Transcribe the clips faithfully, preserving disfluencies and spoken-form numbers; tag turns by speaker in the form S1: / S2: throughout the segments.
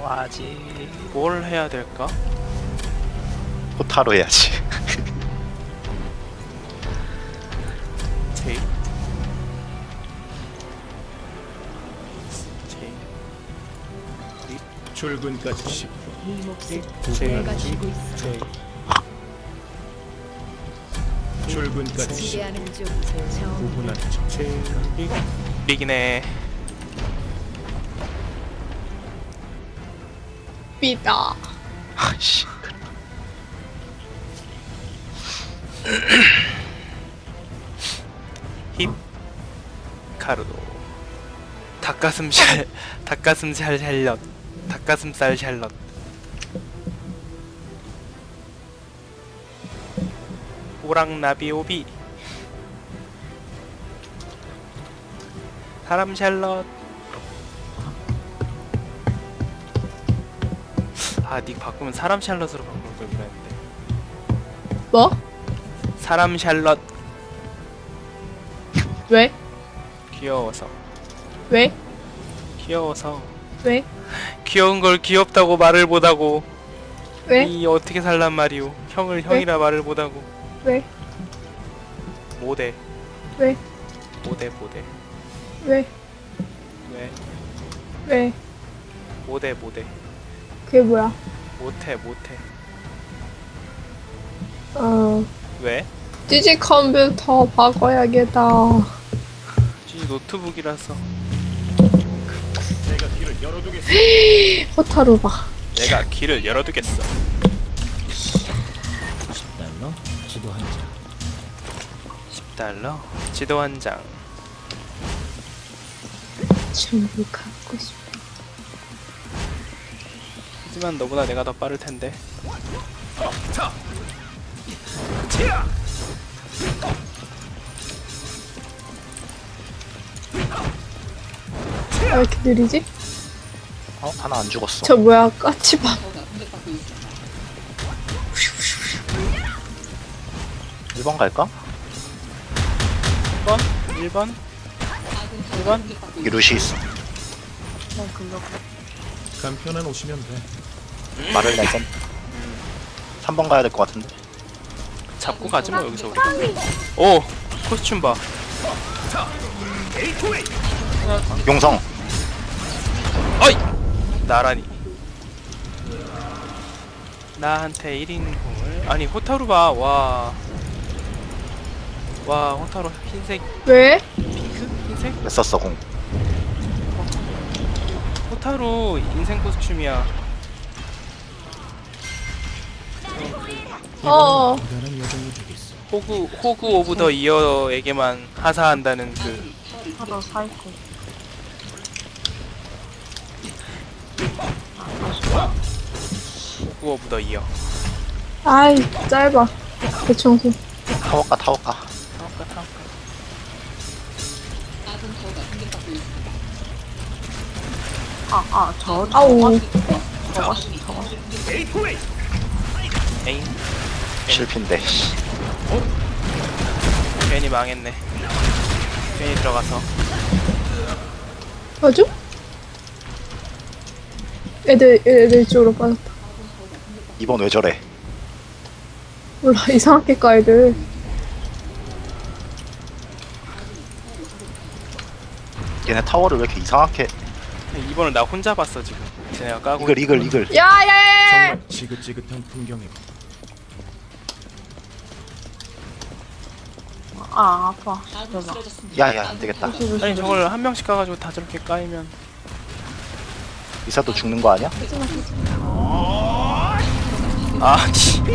S1: 와지.
S2: 뭘 해야 될까?
S1: 호타로 해야지.
S2: 제이 제이
S3: 출근까지 십 분.
S4: 이 몫을
S2: 제이
S4: 내가 쥐고 있어.
S2: 제이
S3: 출근까지 십
S4: 기대하는 중
S3: 구 분 안에 정
S2: 제이 리기네.
S5: 삐다.
S1: 아씨.
S2: 힙 카르도 닭가슴살 닭가슴살 샬럿 닭가슴살 샬럿 오랑나비 오비 사람 샬럿. 아 닉 바꾸면 사람 샬럿으로 바꿀 걸 그랬는데.
S5: 뭐?
S2: 사람 샬럿.
S5: 왜?
S2: 귀여워서
S5: 왜?
S2: 귀여워서
S5: 왜?
S2: 귀여운 걸 귀엽다고 말을 못하고
S5: 왜?
S2: 이 어떻게 살란 말이오. 형을 형이라 말을 못하고
S5: 왜?
S2: 못해
S5: 왜?
S2: 못해 못해
S5: 왜?
S2: 왜
S5: 왜?
S2: 못해 못해
S5: 그게 뭐야?
S2: 못해 못해
S5: 어...
S2: 왜?
S5: 디지 컴퓨터 바꿔야겠다.
S2: 지 노트북이라서
S3: 내가 길을 열어두겠어.
S5: 호타루 봐.
S2: 내가 길을 열어두겠어.
S6: 십 달러 지도 한 장.
S2: 십 달러 지도 한 장.
S5: 전부 갖고 싶어.
S2: 하지만 너보다 내가 더 빠를 텐데.
S5: 왜 이렇게 느리지?
S1: 어 하나 안 죽었어.
S5: 저 뭐야? 까치밥.
S1: 일 번 갈까?
S2: 일 번? 일 번? 일 번?
S1: 여기 루시 있어.
S3: 간편한 오시면 돼.
S1: 말을 내선. 삼 번 가야 될 것 같은데.
S2: 잡고 가지 뭐 여기서 우리. 오 코스튬 봐.
S1: 용성.
S2: 어이 나란히. 나한테 일 인공을 아니 호타루 봐. 와. 와 호타루 흰색
S5: 왜?
S2: 핑크 흰색
S1: 왜 썼어 공?
S2: 호타루 인생 코스튬이야.
S5: 어.
S3: 대단한 여정이 되겠어.
S2: 호구 호구 오브 더 이어에게만 하사한다는 그
S7: 하도 사이코.
S2: 호구 오브 더 이어.
S5: 아이 짧아. 대청소.
S1: 타워가 타워가.
S2: 타워가 타워가.
S7: 아, 아, 저,
S5: 아우.
S7: 저거, 저거.
S2: 에잉
S1: 실핀데. 씨.
S2: 괜히 망했네. 괜히 들어가서.
S5: 맞아? 애들 애들 쪽으로 빠졌다.
S1: 이번 왜 저래?
S5: 몰라 이상하게 까 애들.
S1: 얘네 타워를 왜 이렇게 이상하게?
S2: 이번을 나 혼자 봤어 지금. 쟤네가 까고.
S1: 이글 이글 이글.
S5: 야야야.
S3: 정말 지긋지긋한 풍경이고.
S7: 아, 아파. 대박.
S1: 야야 안 되겠다.
S2: 아니 저걸 한 명씩 까가지고 다 저렇게 까이면.
S1: 이사도 죽는 거 아니야?
S2: 아니.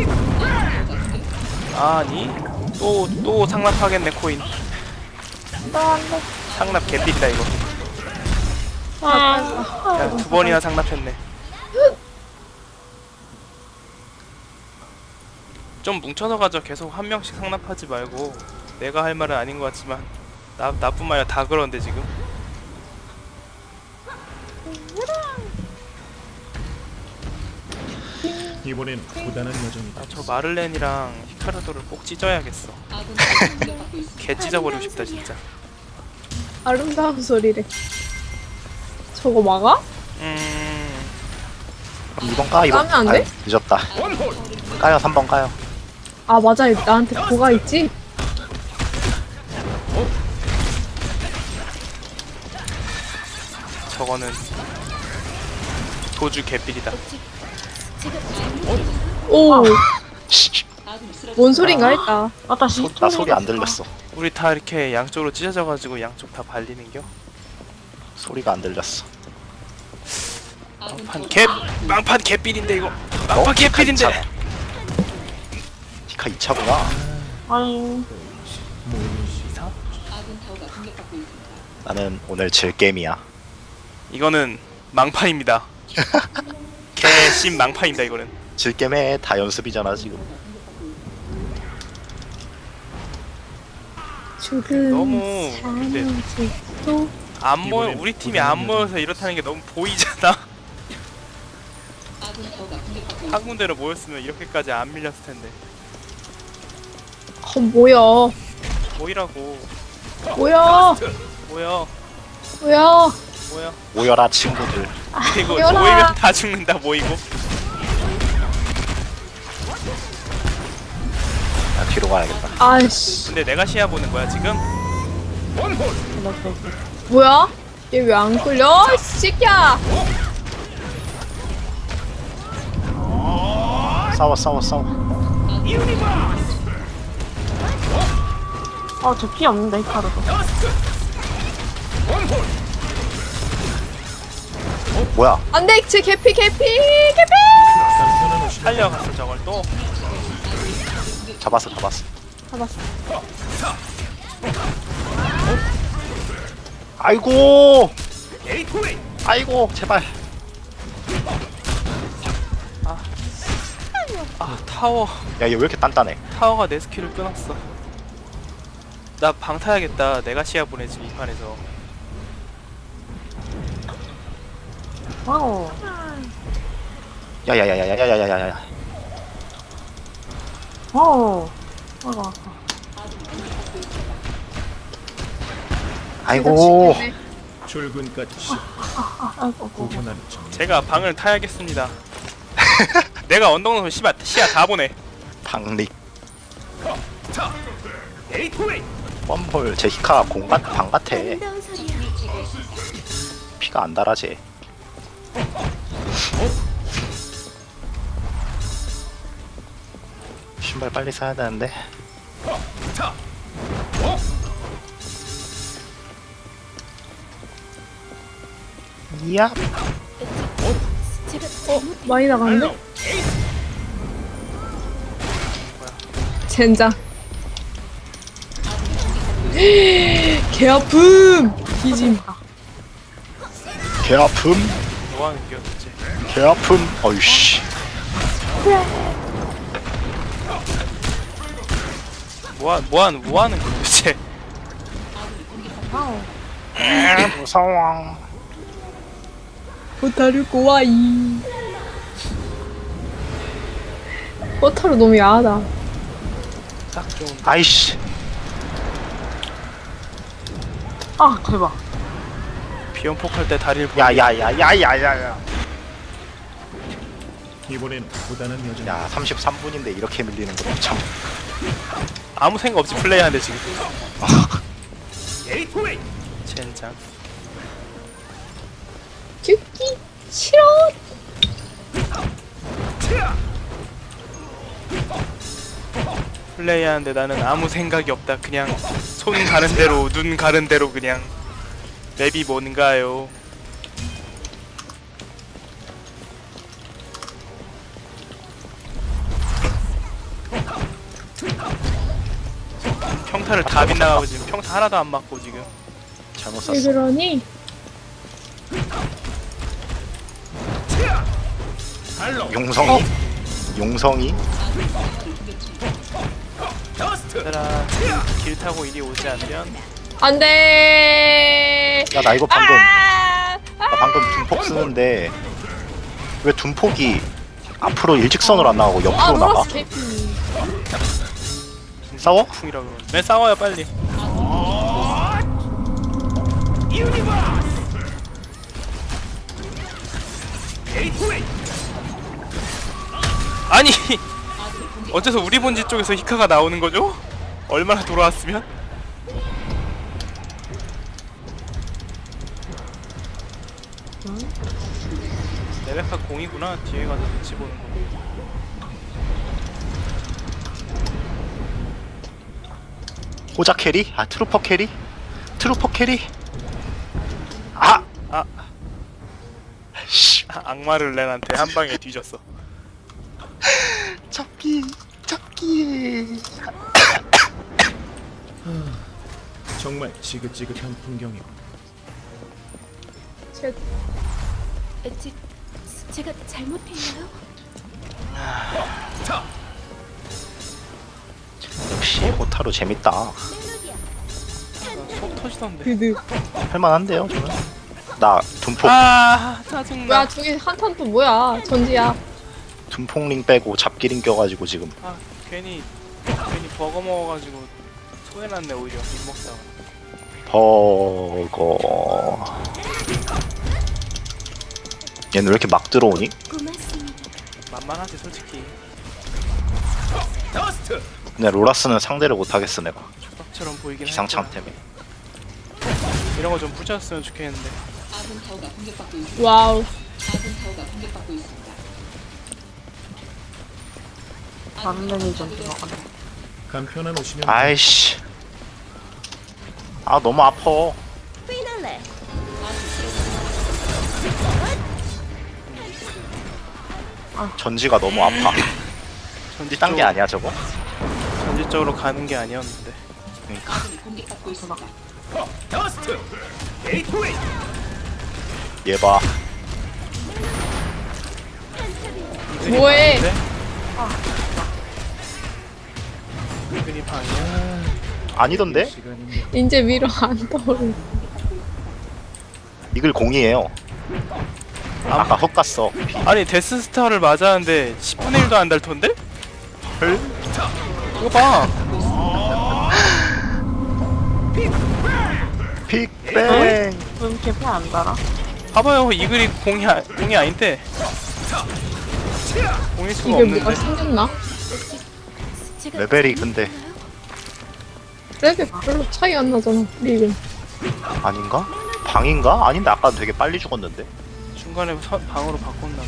S2: 아니. 또 또 상납하겠네 코인. 상납 개삘이다 이거.
S5: 아.
S2: 야 두 번이나 상납했네. 좀 뭉쳐서 가죠. 계속 한 명씩 상납하지 말고. 내가 할 말은 아닌 것 같지만 나 나뿐만 아니라 다 그러는데 지금.
S3: 이번엔 고단한 여정이다.
S2: 아, 저 마를렌이랑 히카르도를 꼭 찢어야겠어. 개 찢어버리고 싶다 진짜.
S5: 아름다운 소리래. 저거 막아?
S2: 음
S1: 그럼 이 번 까, 이 번.
S5: 까면 안 돼?
S1: 아유, 늦었다. 까요, 삼 번 까요.
S5: 아 맞아 나한테 뭐가 있지?
S2: 저거는 도주 개삘이다.
S5: 오
S1: 씨,
S5: 뭔 소린가 했다.
S7: 아따시.
S1: 나 소리 안 들렸어.
S2: 우리 다 이렇게 양쪽으로 찢어져가지고 양쪽 다 발리는겨?
S1: 소리가 안 들렸어.
S2: 망판 개 망판 개삘인데 이거. 망판
S1: 어?
S2: 개삘인데.
S1: 히카 이 차구나.
S7: 아니.
S2: 이사?
S1: 나는 오늘 질 게임이야.
S2: 이거는 망판입니다. 개심 망판입니다 이거는.
S1: 질 게임에 다 연습이잖아 지금.
S5: 죽은
S2: 너무 근데
S5: 사무직도
S2: 안 모여
S3: 이번엔
S2: 우리 팀이 안 모여서 이렇다는 게 너무 보이잖아. 한 군데로 모였으면 이렇게까지 안 밀렸을 텐데.
S5: 어 뭐야
S2: 모이라고.
S5: 뭐야
S2: 모여
S5: 뭐야
S2: 모여.
S1: 모여라 친구들.
S2: 그리고
S5: 모여라.
S2: 모이면 다 죽는다 모이고.
S1: 나 뒤로 가야겠다.
S5: 아이씨
S2: 근데 내가 시야 보는 거야 지금?
S5: 뭐야 얘 왜 안 끌려 이 새끼야.
S1: 싸워 싸워 싸워.
S7: 아, 저 피 없는데, 히카르도.
S1: 뭐야?
S5: 안돼 제 개피 개피 개피.
S3: 간편한 오시면
S2: 살려갔어 저걸 또.
S1: 잡았어 잡았어.
S5: 잡았어.
S1: 아이고. 아이고 제발.
S2: 아 타워
S1: 야 얘 왜 이렇게 단단해?
S2: 타워가 내 스킬을 끊었어. 나 방 타야겠다. 내가 시야 보내지 이 판에서.
S7: 와우.
S1: 야야야야야야야야야야.
S7: 와우. 아이고, 아파.
S1: 아이고.
S3: 출근까지 시
S7: 아, 아이고, 아이고.
S3: 구분하는 정.
S2: 제가 방을 타야겠습니다. 내가 언덕 넘어 시야 시야 다 보내.
S1: 당릭. 뻔볼 제 히카 공간 방 같아. 피가 안 달아 쟤. 신발 빨리 사야 되는데. 이야.
S5: 어 많이 나갔는데? 젠장. 개 아픔 뒤짐.
S1: 개 아픔.
S2: 뭐 하는 겨 도대체.
S1: 개 아픔. 어이씨.
S2: 뭐하 뭐하는 뭐하는 겨 도대체.
S7: 와우.
S1: 에 무서워.
S5: 호타루 꼬와이. 호타루 너무 야하다.
S2: 딱 좋은.
S1: 아이씨.
S7: 아, 대박.
S2: 비연폭할 때 다리를 보내.
S1: 야야야야야야야.
S3: 이번엔 고단한 여정.
S1: 야 삼십삼 분인데 이렇게 밀리는 거 참.
S2: 아무 생각 없이 플레이하는데 지금. 젠장.
S5: 죽기 싫어.
S2: 플레이하는데 나는 아무 생각이 없다. 그냥 손 가는 대로 눈 가는 대로 그냥. 맵이 뭔가요? 평타를 다 빗나가고 지금 평타 하나도 안 맞고 지금.
S1: 잘못
S5: 왜
S1: 샀어.
S5: 그러니?
S1: 용성이? 용성이?
S2: 얘들아 길 타고 이리 오지 않으면
S5: 안돼.
S1: 야 나 이거 방금
S5: 아!
S1: 나 방금 둔폭 쓰는데 왜 둔폭이 앞으로 일직선으로 안 나가고
S5: 아
S1: 옆으로 나가?
S5: 노라스 개피.
S1: 싸워?
S2: 풍이라 그러는. 네 싸워요 빨리. 아니 어째서 우리 본지 쪽에서 히카가 나오는 거죠? 얼마나 돌아왔으면? 레베카 공이구나. 뒤에 가서 눈치 보는 거.
S1: 호자 캐리? 아 트루퍼 캐리? 트루퍼 캐리? 아!
S2: 아,
S1: 씨
S2: 아 악마를 렌한테 한 방에 뒤졌어.
S1: 잡기 잡기
S3: 정말 지긋지긋한 풍경이고
S5: 제
S4: 제, 제가 잘못했나요?
S1: 역시 호타루 재밌다.
S2: 속 터지던데.
S5: 드드.
S1: 할만한데요 저는. 나 둔폭
S2: 아 짜증나.
S5: 뭐야 저기 한탄 또 뭐야 전지야.
S1: 둔폭링 빼고 잡기링 껴가지고 지금
S2: 아 괜히 괜히 버거 먹어가지고 소해났네 오히려 못 먹다가.
S1: 버거. 얘는 왜 이렇게 막 들어오니?
S4: 고맙습니다.
S2: 만만하지 솔직히.
S1: 근데 로라스는 상대를 못하겠어 내가.
S2: 초밥처럼 보이긴
S1: 기상창
S2: 했구나.
S1: 때문에.
S2: 이런 거 좀 부셨으면 좋겠는데.
S5: 와우.
S7: 다른 데는 좀 들어가네.
S3: 간편한 옷이면
S1: 아이씨. 아 너무 아파.
S4: 피날레.
S1: 전지가 너무 아파.
S2: 전지
S1: 딴 게
S2: 쪽-
S1: 아니야 저거?
S2: 전지 쪽으로 가는 게 아니었는데.
S1: 그러니까. 얘 봐.
S5: 뭐해?
S2: 이근이 방이야.
S1: 아니던데?
S3: 시간인데
S5: 이제 위로 안 떠오르.
S1: 이글 공이에요. 아까 헛 갔어.
S2: 아니 데스스타를 맞았는데 십분의 일도 안 달 텐데? 헐? 이거 봐.
S1: 픽뱅.
S7: 왜 이렇게 배 안 달아?
S2: 봐봐요 이글이 공이 아, 공이 아닌데. 공일 수가
S5: 이게 뭐가
S2: 없는데.
S5: 생겼나?
S4: 제가
S1: 레벨이 근데
S4: 잘못했나요?
S5: 레벨 별로 차이 안 나잖아. 리금.
S1: 아닌가? 방인가? 아닌데 아까 되게 빨리 죽었는데.
S2: 중간에 서, 방으로 바꿨나.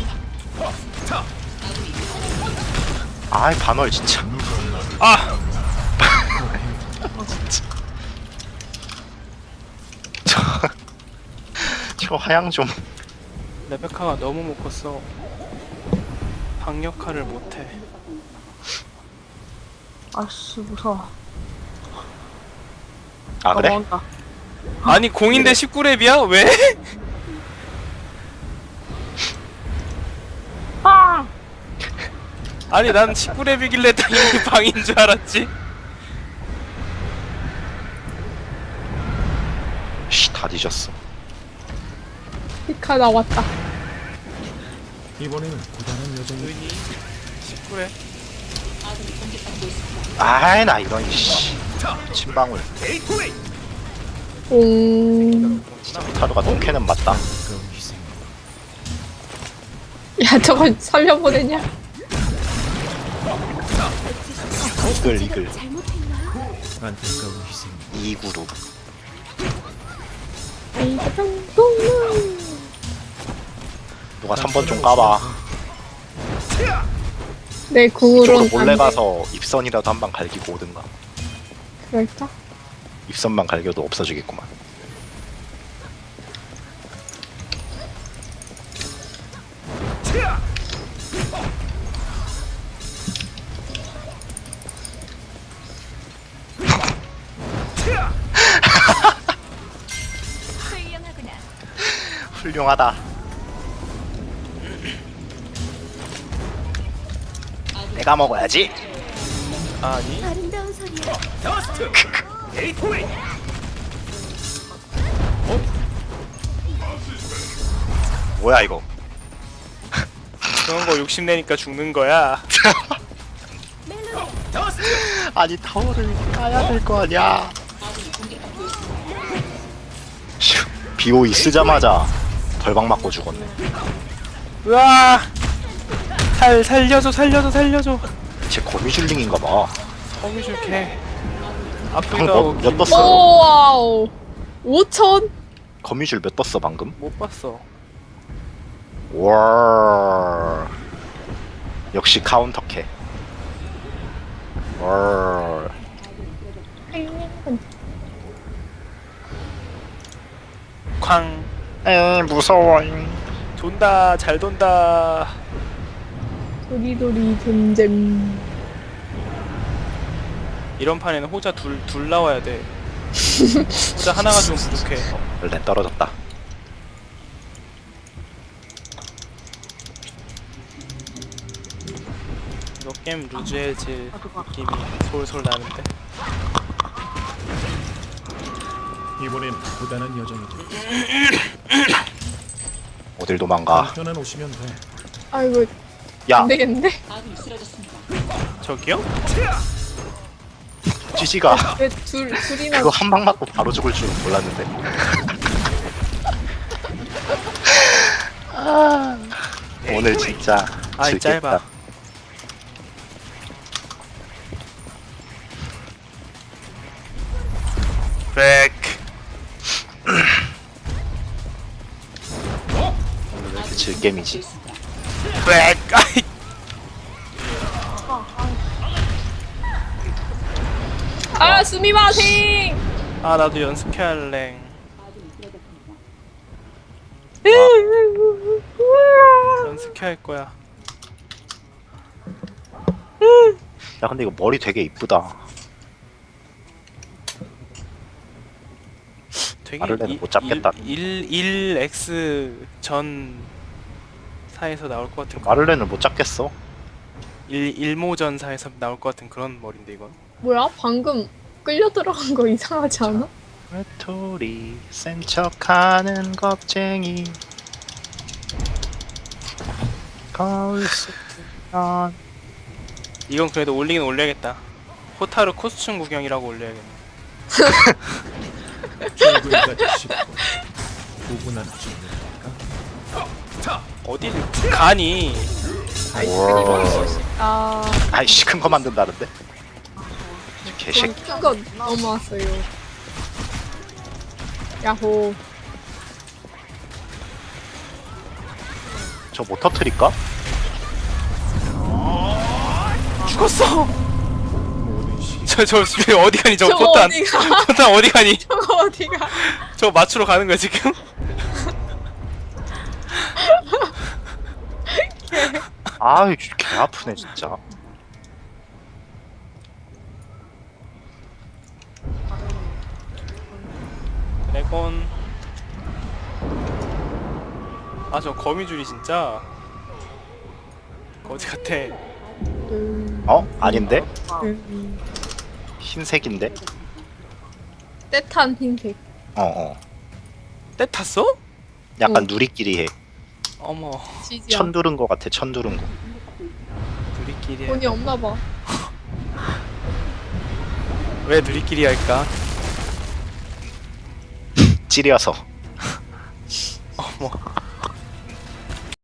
S1: 아이 반월 진짜.
S2: 아
S1: 저, 저 하향 좀.
S2: 레베카가 너무 못 컸어. 방 역할을 못해.
S7: 아씨 무서워.
S1: 아 그래?
S7: 넘어온다.
S2: 아니 공인데 십구 렙이야? 왜?
S7: 아!
S2: 아니 난 십구 렙이길래 당연히 방인 줄 알았지.
S1: 씨, 다 뒤졌어.
S5: 히카 나왔다.
S3: 이번에는 고단한 여정이
S2: 은이 십구 렙.
S1: 아이 나 이런 씨. 침방울.
S5: 옹.
S1: 타루가 동캐는 맞다.
S3: 가까운 희생
S5: 야 저걸 살려보내냐?
S1: 이글 이글.
S4: 잘못했나요?
S3: 안타까운 희생
S1: 이구루. 누가 삼 번 좀 까봐.
S5: 내
S1: 이쪽으로
S5: 궁으로는
S1: 몰래
S5: 안 돼.
S1: 가서 입선이라도 한 방 갈기고 오든가.
S5: 그럴까?
S1: 입선만 갈겨도 없어지겠구만.
S4: 훌륭하구나.
S1: 훌륭하다. 내가 먹어야지.
S2: 아니
S4: 아름다운 소리야.
S1: 뭐야 이거?
S2: 그런 거 욕심내니까 죽는 거야.
S1: 아니 타워를 까야 될 거 아니야. 슈, 비오이 쓰자마자 벌방 맞고 죽었네.
S2: 으아 살 살려줘 살려줘 살려줘.
S1: 쟤 거미줄링인가 봐.
S2: 거미줄 개.
S1: 방금
S2: 아프기도
S1: 몇,
S2: 하고
S1: 몇
S5: 오
S1: 떴어?
S5: 와우. 오천.
S1: 거미줄 몇 떴어 방금?
S2: 못 봤어.
S1: 와. 역시 카운터캐. 와.
S2: 쾅.
S1: 에 무서워.
S2: 돈다 잘 돈다.
S5: 도리도리 잼잼.
S2: 이런 판에는 호자 둘 둘 나와야 돼. 호자 하나 가지고 부족해.
S1: 렌 떨어졌다.
S2: 이거 게임 루즈해질 느낌이 솔솔 나는데.
S3: 이번엔 고단한 여정이죠.
S1: 어딜 도망가.
S3: 간편한 오시면 돼.
S5: 아이고
S1: 야,
S5: 안 되겠는데?
S2: 저기요?
S1: 찌지가
S5: 왜 둘 둘이나
S1: 그거 한 방 맞고 바로 죽을 줄 몰랐는데. 아, 오늘 진짜
S2: 아이
S1: 즐겁다.
S2: 짧아. 백.
S1: 오늘 왜 이렇게 즐겜이지?
S2: 백. 아이.
S5: 아 스미마생.
S2: 아 나도 연습해야 할래. 연습해야 할 거야.
S1: 야 근데 이거 머리 되게 이쁘다.
S2: 되게
S1: 마를렌은 못 잡겠다.
S2: 일 일 엑스 전 사에서 나올 것 같은
S1: 마를렌을 못 잡겠어.
S2: 일 일모전사에서 나올 것 같은 그런 머리인데 이건.
S5: 뭐야? 방금 끌려 들어간 거 이상하지 않아?
S1: 외톨이 센 척하는 겁쟁이 거울 속이면
S2: 이건 그래도 올리긴 올려야겠다. 호타루 코스튬 구경이라고 올려야겠네.
S3: 출근까지 쉽고 고분한 정도니까.
S2: 어디를 가니?
S1: 우와.
S5: 아
S1: 아이씨 큰 거 만든다는데? 개새끼.
S5: 큰거 넘어왔어요. 야호.
S1: 저 못 터트릴까?
S2: 죽었어.
S3: 모든 시
S2: 저저 집에 어디 가니 저
S5: 저거
S2: 포탄.
S5: 어디가?
S2: 포탄 어디 가니?
S5: 저거 어디가?
S2: 저 맞추러 가는 거야 지금?
S1: 아이 개 아프네 진짜.
S2: 드래곤. 아 저 거미줄이 진짜 거지 같아.
S5: 음,
S1: 어? 아닌데?
S5: 음.
S1: 흰색인데?
S5: 때탄 흰색.
S1: 어어.
S2: 때 탔어?
S1: 약간
S5: 응.
S1: 누리끼리 해.
S2: 어머
S5: 지지야.
S1: 천 두른 거 같아. 천 두른 거.
S2: 누리끼리.
S5: 돈이 없나 봐.
S2: 왜 누리끼리 할까?
S1: 찌려서.
S2: 어머